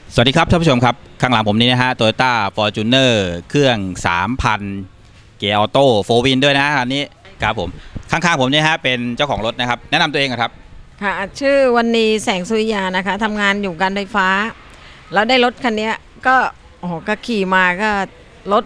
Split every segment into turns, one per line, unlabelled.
สวัสดีครับท่านผู้ชมครับข้างหลังผมนี้นะฮะ Toyota Fortuner เครื่อง 3,000 เกียร์ออโต้โฟร์วินด้วยนะอันนี้ครับผมข้างๆผมเนี่ยฮะเป็นเจ้าของรถนะครับแนะนำตัวเองครับ
ค่ะชื่อวันนี้แสงสุริยานะคะทำงานอยู่การไฟฟ้าแล้วได้รถคันนี้ก็โอ้โหก็ขี่มาก็รถ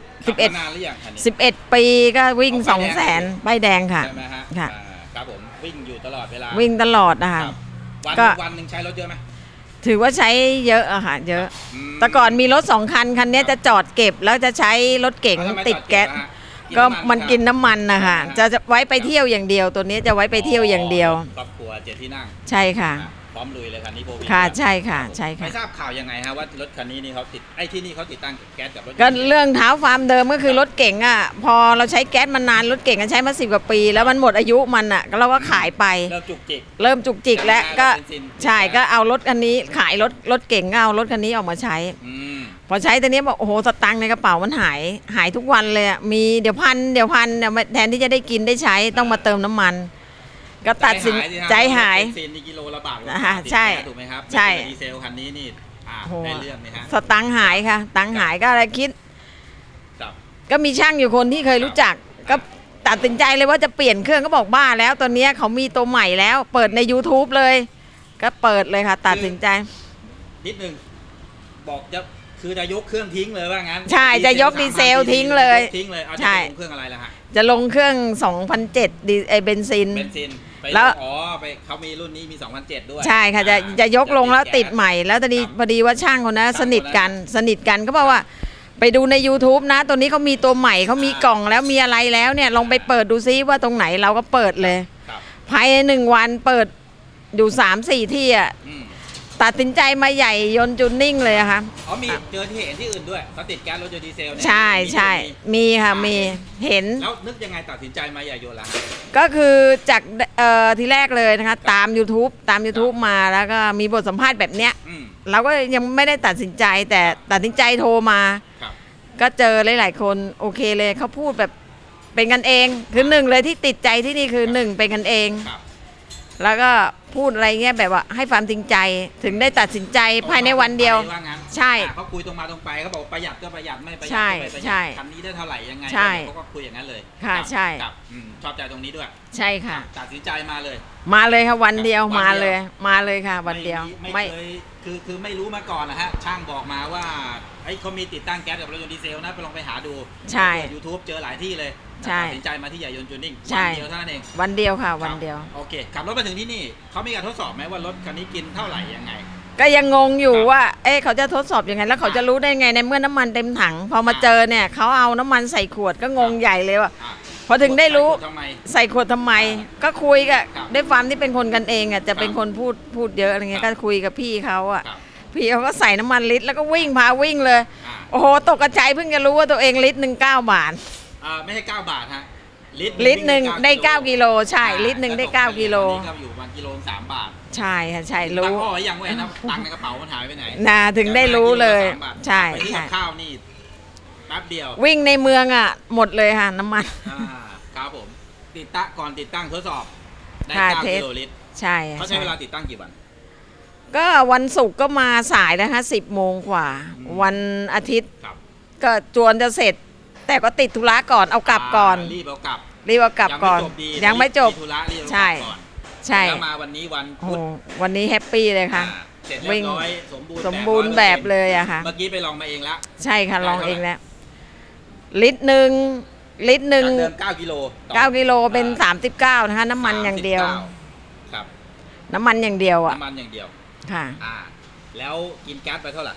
11ปีก็วิ่ง 200,000 ป้ายแดงค่ะ
ใช่ไหมฮะ
ค่ะ
ครับผมวิ่งอยู่ตลอดเวลา
วิ่งตลอดนะคะ
วันหนึ่งใช้รถเยอะไหม
ถือว่าใช้เยอะอะค่ะเยอะแต่ก่อนมีรถ2 คันคันนี้จะจอดเก็บแล้วจะใช้รถเก๋งติดแก๊สก็มันกินน้ำมันนะคะจะไว้ไปเที่ยวอย่างเดียวตัวนี้จะไว้ไปเที่ยวอย่างเดียว
ครอบครัว7 ที่นั่ง
ใช่ค่ะ
พร้อมลุยเลยคันนี้โบวี่
ค่ะใช่ค่ะใช่ค่ะ
ไม่ทราบข่าวยังไงฮะว่ารถคันนี้นี่เขาติดที่นี่เขาติดตั้งแก๊สกับรถ
ก็เรื่องเท้าฟาร์มเดิมก็คือรถเก๋งอ่ะพอเราใช้แก๊สมานานรถเก๋งใช้มา10 กว่าปีแล้วมันหมดอายุมันอ่ะเราก็ขายไป
เริ่มจุก
จิกแล้วก็ใช่ก็เอารถคันนี้ขายรถเก๋งเอารถคันนี้ออกมาใช้พอใช้ตอนนี้บอกโอ้โหสตังค์ในกระเป๋ามันหายทุกวันเลยอ่ะมีเดี๋ยวพันแทนที่จะได้กินได้ใช้ต้องมาเติมน้ำมันก็ตัดสินใจหาย
กิโลละบาท
ใช่
ถูกไหมครับ
ใช่
ดีเซลคันนี้นี่ได้เรื่องไหมฮะ
สตังค์หายค่ะตังค์หายก็อะไรคิดก็มีช่างอยู่คนที่เคยรู้จักก็ตัดสินใจเลยว่าจะเปลี่ยนเครื่องก็บอกบ้าแล้วตอนนี้เขามีตัวใหม่แล้วเปิดใน YouTube เลยก็เปิดเลยค่ะตัดสินใจ
นิดนึงบอกคือจะยกเครื่องทิ้งเลยว่างั้น
ใช่จะยกดีเซลทิ้งเลย
ใช่เครื่องอะไรล่ะฮะ
จะลงเครื่อง 2007เบนซิน
แล้วไปเขามีรุ่นนี้มี2007ด้วย
ใช่ค่ะจะยกลงแล้วติดใหม่แล้วตอนนี้พอดีว่าช่างคนนั้นสนิทกันก็บอกว่าไปดูใน YouTube นะตัวนี้เขามีตัวใหม่เขามีกล่องแล้วมีอะไรแล้วเนี่ยลองไปเปิดดูซิว่าตรงไหนเราก็เปิดเลยภายใน1 วันเปิดอยู่ 3-4 ที่อ่ะตัดสินใจมาใหญ่ยนต์จูนนิ่งเลยค่ะ
มีเจอที่เห็นที่อื่นด้วยเขาติดแก๊สรถยนต์ดีเซลเนี่ย
ใช่มีค่ะมีเห็น
แล้วนึกยังไงตัดสินใจมาใหญ่ยนต์ล่ะ
ก็คือจากทีแรกเลยนะคะตาม YouTube มาแล้วก็มีบทสัมภาษณ์แบบเนี้ยเราก็ยังไม่ได้ตัดสินใจแต่ตัดสินใจโทรมาก็เจอหลายๆคนโอเคเลยเขาพูดแบบเป็นกันเองคือ1เลยที่ติดใจที่นี่คือ1เป็นกันเองแล้วก็พูดอะไรเงี้ยแบบว่าให้ความจริงใจถึงได้ตัดสินใจภายในวันเดียวใช่
เขาคุยตรงมาตรงไปเขาบอกประหยัดก็ประหยัดไม่ประหยัด
ก็ไม่ประหยัด
คันนี้ได้เท่าไหร่ยังไงเขาก็คุยอย่างนั้นเลย
ค่ะใช่
ชอบใจตรงนี้ด้วย
ใช่ค่ะ
ตัดสินใจมาเลย
ค่ะวันเดียวมาเลยค่ะวันเดียว
ไม่คือไม่รู้มาก่อนนะฮะช่างบอกมาว่าเขามีติดตั้งแก๊สกับรถยนต์ดีเซลนะไปลองไปหาดู
ใช่
YouTube เจอหลายที่เลยตัดสินใจมาที่ใหญ่ยนต์จูนนิ่ง
วัน
เดียวเท่านั้นเอง
วันเดียวค่ะวันเดียว
โอเคขับรถมาถึงที่นี่เขามีการทดสอบไหมว่ารถคันนี้กินเท่าไหร่ยังไง
ก็ยังงงอยู่ว่าเขาจะทดสอบยังไงแล้วเขาจะรู้ได้ไงในเมื่อน้ำมันเต็มถังพอมาเจอเนี่ยเขาเอาน้ำมันใส่ขวดก็งงใหญ่เลยว่ะพอถึงได้รู้ใส่ขวดทำไมก็คุยกับด้วยความที่เป็นคนกันเองอ่ะจะเป็นคนพูดเยอะอะไรเงี้ยก็คุยกับพี่เขาอ่ะพี่เขาก็ใส่น้ำมันลิตรแล้วก็วิ่งเลยโอ้โหตกกระจายเพิ่งจะรู้ว่าตัวเองลิตร 1 9 บาท
ไม่ใช่9 บาทฮะ
ลิตร 1ได้9 กิโลใช่ลิตร 1ได้9 กิโล
ก็อยู่วันกิโล3 บาท
ใช่ค่ะใช่รู้
ตังค์ยังไว้นะตังค์ในกระเป๋ามันหายไปไหน
ถึงได้รู้เลยใช่
ข้าวนี่แป๊บเดียว
วิ่งในเมืองอ่ะหมดเลยค่ะน้ำมัน
ครับผมติดตั้งทดสอบได้9 กิโลลิตร
ใช่
เขาใช้เวลาติดตั้งกี่วัน
ก็วันศุกร์ก็มาสายนะคะ10 โมงกว่าวันอาทิตย์ก็จวนจะเสร็จแต่ก็ติดธุระก่อนเอากลับก่อน
รีบเอากลับ
ก่อนยังไม่จบใช่
แล้วมาวันนี้วันพุธ
วันนี้แฮปปี้เลยค่ะ
เสร็จเรียบร้อย
สมบูรณ์แบบเลยอะค่ะ
เมื่อกี้ไปลองมาเองแล้ว
ใช่ค่ะลองเองแล้วลิตร 1เดิม
9 กิโล
เป็น39นะคะน้ำมันอย่างเดียว
ครับ
น้ำมันอย่างเดียวอะ
น้ำมันอย่างเดียว
ค่ะ
แล้วกินแก๊สไปเท่าไหร่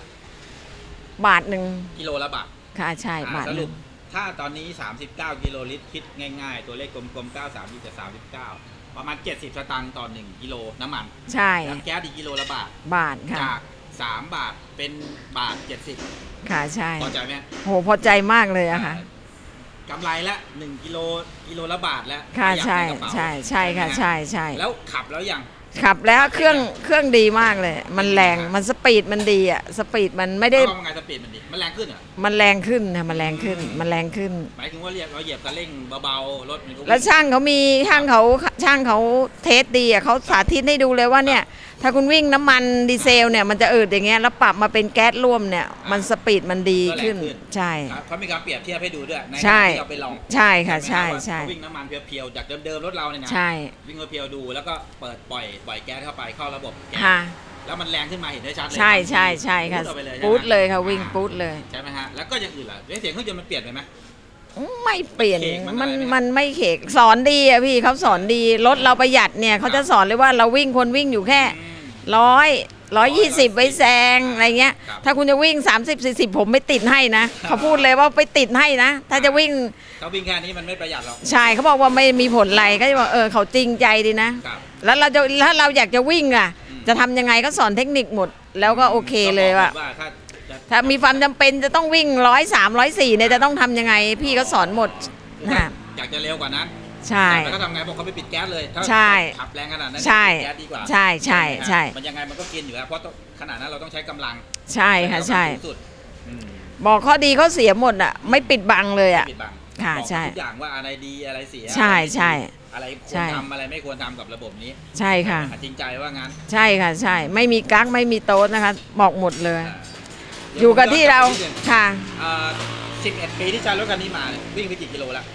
1 บาท
กิโลละบาท
ค่ะใช่บาท
สรุปถ้าตอนนี้39 กิโลลิตรคิดง่ายๆตัวเลขกลมๆ93จะ39ประมาณ70 สตางค์ต่อ1 กิโลน้ำมัน
ใช่
แก๊สอีกกิโลละบาท
ค่ะ
จาก3 บาทเป็น1 บาท 70
ค่ะใช่
พอใจไหม
โหพอใจมากเลยอะค่ะ
กำไรละ1 กิโลละบาทแล้ว
ค่ะใช่ค่ะใช่
แล้วขับแล้วยัง
ขับแล้วเครื่องดีมากเลยมันแรงมันสปีดมันดีอ่ะสปีดมันไม่ได้
ไงสปีดมันดีมันแรงขึ้นเหรอ
มันแรงขึ้นค่ะมันแรงขึ้นห
มายถึงว่าเราเหยียบคันเร่งเบาๆรถ
แล้วช่างเขาเทสดีอ่ะเขาสาธิตให้ดูเลยว่าเนี่ยถ้าคุณวิ่งน้ำมันดีเซลเนี่ยมันจะอืดอย่างเงี้ยแล้วปรับมาเป็นแก๊สร่วมเนี่ยมันสปีดมันดีขึ้นใช่
เขามีการเปรียบเทียบให้ดูด้วยใน
ใช่
ที่เราไปลอง
ใช่ค่ะ
ใช่
ใช่
ไหมฮะว่าเขาวิ่งน้ำมันเพียวๆจากเดิมๆรถเราเนี่ยนะ
ใช่
วิ่งเพียวๆดูแล้วก็เปิดปล่อยแก๊สเข้าไปเข้าระบบแก๊ส
ค่ะ
แล้วมันแรงขึ้นมาเห็นได้ชัดเลย
ใช่ใช่ใช่ค่ะ
พูดออกไปเลย
ปู๊ด
ใช่ไหม
เลยค่ะวิ่งปู๊ดเลย
ใช่ไหมฮะแล้วก็อย่างอื่นล่ะเสียงเครื่องยนต์มันเปลี่ยนไปไหม
ไม่เปลี่ยน
เขกมัน
มัน
อะไรไหม
มันไม่เขกสอนดีอะพี่เขาสอนดีรถเราประหยัดเนี่ยเขาจะสอนเลยว่าเราวิ่งคนวิ่งอยู่แค่
อืม
120ไว้แซงอะไรเงี้ย
ครับ
ถ้าคุณจะวิ่ง 30-40 ผมไม่ติดให้นะเขาพูดเลยว่าไปติดให้นะ ถ้าจะวิ่ง
เขาวิ่งแค่นี้มันไม่ประหยัดหรอก
ใช่เขาบอกว่าไม่มีผลอะไรก็จะบอกเขาจริงใจดีนะ
ครับ
แล้วเราจะถ้าเราอยากจะวิ่งอ่ะ
อืม
จะทำยังไงก็สอนเทคนิคหมด แล้วก็โอเคเลยว่า
ก็บอกว่าจะ
ถ้ามีความจำเป็นจะต้องวิ่ง103-104เนี่ยจะต้องทำยังไง พี่ก็สอนหมดนะ
อยากจะเร็วกว่านั้น
ใช่
แล้วก็ทำไงบอกเขาไปปิดแก๊สเลยถ้า
ใช่
ขับแรงขนาดนั้น
ใช่
ปิดแก๊สดีกว่า
ใช่ใช่ใช่
มันยังไงมันก็กินอยู่แล้วเพราะขนาดนั้นเราต้องใช้กำลัง
ใช่ค่ะใช่
กำลังสูงสุดอืม
บอกข้อดีข้อเสียหมดอ่ะไม่ปิดบังเลยอ่ะ
ไม่ปิดบัง
ค่ะ
บอก
ใช่
ทุกอย่างว่าอะไรดีอะไรเสีย
ใช่ใช่
อะไรคว
ใช่
รทำอะไรไม่ควรทำกับระบบนี้
ใช่ค่ะ
จริงใจว่างั้น
ใช่ค่ะใช่ ไม่มีกั๊กไม่มีโต๊ดนะคะ บอกหมดเลย
อ่า
อยู่กับที่เราค่ะ
11 ปีที่ใช้รถคันนี้มาเนี่ยวิ่งไปกี่กิโลละ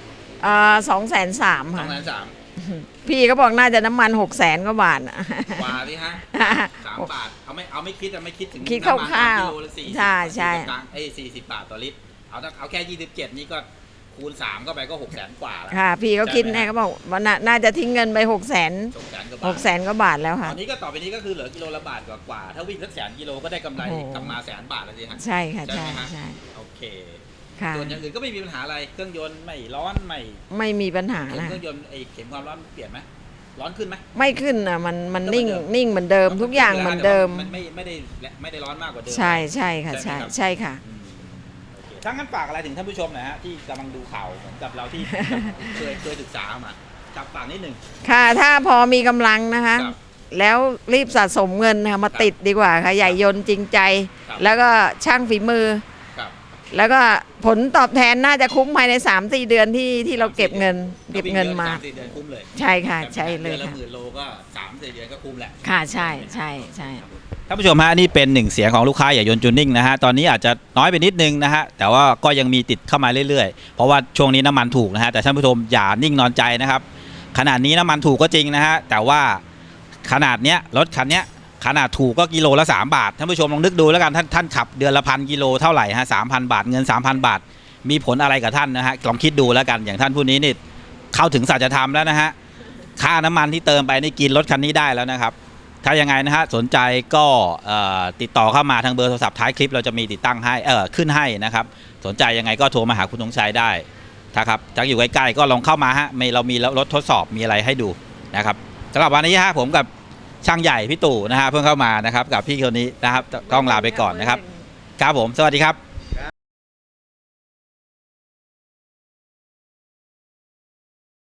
230,000 ค่ะ
2,300,000
พี่ก็บอกน่าจะน้ำมัน600,000กว่าบาทอะ
กว่าที่ฮะ 3 บาทเอาไม่คิดไม่คิดถึง
คิด
น้ำมัน
คร่าวๆ
กิโลละ40
ใช่ใช่
40 บาทต่อลิตรเอาแค่27นี่ก็คูณ3เข้าไปก็600,000 กว่าแล้ว
ค่ะ พี่ก็คิด
ใช่ไหม
แน่เขาบอกว่าน่าจะทิ้งเงินไป600,000
600,000 กว่าบาท
600,000กว่าบาทแล้ว
ต
ค่ะ
อนนี้ก็ต่อไปนี้ก็คือเหลือกิโลละบาทกว่าถ้าวิ่งสัก100,000 กิโลก็ได้กำไร
โอ้โห
กลับมา100,000 บาทแล้วสิฮะ
ใช่ค่ะ
ใช่
ใช่
ไหมฮะ
ใช่
โอเค
ค่ะ
ส่วนอย่างอื่นก็ไม่มีปัญหาอะไรเครื่องยนต์ไม่ร้อนไม่
ไม่มีปัญหานะ
เครื่องยนต์เข็มความร้อนเปลี่ยนไหมร้อนขึ้นไหม
ไม่ขึ้นนะมัน
ก็
นิ่ง
เหมือนเดิม
นิ่งเหมือนเดิม ทุกอย่างเหมือนเดิม
มันไม่ได้ร้อนมากกว่าเดิม
ใช่ใช่ค่ะ
ใช่
ใช่
ไหมครับ
ใช่ค่ะ
อืมโอเคทั้งนั้นฝากอะไรถึงท่านผู้ชมหนะฮะที่กำลังดูข่าวเหมือนกับเราที่ เคยศึกษามาจับฝากนิดหนึ่ง
ค่ะถ้าพอมีกำลังนะคะ
ครับ
แล้วรีบสะสมเงินนะคะมาติดดีกว่าค่ะใหญ่ยนต์จริงใจ
ครับ
แล้วก็ช่างฝีมือ
ครับ
แล้วก็ผลตอบแทนน่าจะคุ้มภายใน 3-4 เดือนที่เราเก็บเงินมา
3-4 เดือนคุ้มเลย
ใช่ค่ะใช่เลย
ดือนละ
ค่ะ
10,000 โลก็3-4 เดือนก็คุ้มแหละ
ค่ะใช่ใช่ใช่
ท่านผู้ชมฮะนี่เป็นหนึ่งเสียงของลูกค้าอย่ายนต์จูนนิ่งนะฮะตอนนี้อาจจะน้อยไปนิดนึงนะฮะแต่ว่าก็ยังมีติดเข้ามาเรื่อยๆ เพราะว่าช่วงนี้น้ำมันถูกนะฮะแต่ท่านผู้ชมอย่านิ่งนอนใจนะครับขนาดนี้น้ำมันถูกก็จริงนะฮะแต่ว่าขนาดเนี้ยรถคันเนี้ยขนาดถูกก็กิโลละ3 บาทท่านผู้ชมลองนึกดูแล้วกันท่านขับเดือนละ1,000 กิโลเท่าไหร่ฮะ3,000 บาทเงิน 3,000 บาท มีผลอะไรกับท่านนะฮะลองคิดดูแล้วกันอย่างท่านผู้นี้นี่เข้าถึงสัจธรรมแล้วนะฮะค่าน้ำมันที่เติมไปนี่กินรถคันนี้ได้แล้วนะครับ ถ้ายังไงนะฮะสนใจก็ติดต่อเข้ามาทางเบอร์โทรศัพท์ท้ายคลิปเราจะมีติดตั้งให้ขึ้นให้นะครับสนใจยังไงก็โทรมาหาคุณธงชัยได้นะครับถ้าอยู่ใกล้ๆก็ลองเข้ามาฮะเรามีรถทดสอบมีอะไรให้ดูนะครับสำหรับวันนี้ฮะผมกับช่างใหญ่พี่ตู่นะฮะเพิ่งเข้ามานะครับกับพี่คนนี้นะครับต้องลาไปก่อนนะครับครับผมสวัสดีครับ